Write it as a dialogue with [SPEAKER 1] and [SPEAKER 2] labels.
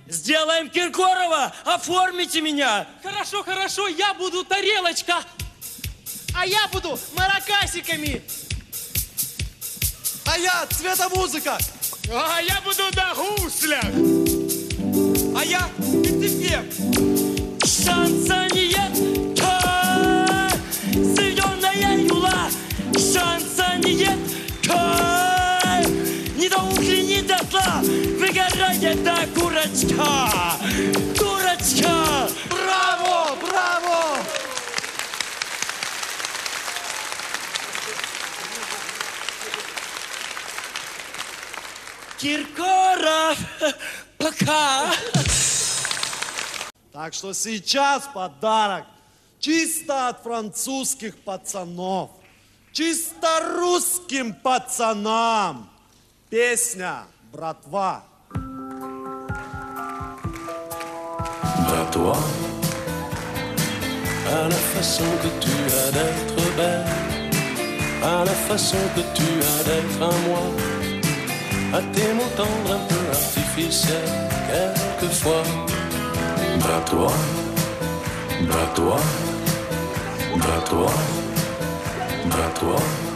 [SPEAKER 1] Сделаем Киркорова, оформите меня.
[SPEAKER 2] Хорошо, хорошо, я буду тарелочка.
[SPEAKER 3] А я буду маракасиками.
[SPEAKER 4] А я цветомузыка.
[SPEAKER 5] А я буду на гуслях.
[SPEAKER 4] А я пятипев.
[SPEAKER 1] Шансоньетка, зеленая юла. Шансоньетка, не до ухли, не до зла. Выгорает та курочка. Курочка.
[SPEAKER 4] Браво, браво.
[SPEAKER 1] Киркоров, пока.
[SPEAKER 4] Так что сейчас подарок чисто от французских пацанов, чисто русским пацанам. Песня «Братва».
[SPEAKER 6] Bats-toi à la façon que tu as d'être belle, à la façon que tu as d'être à moi, à tes mots tendres un peu artificiels quelquefois. Bats-toi, bats-toi, bats-toi, bats-toi.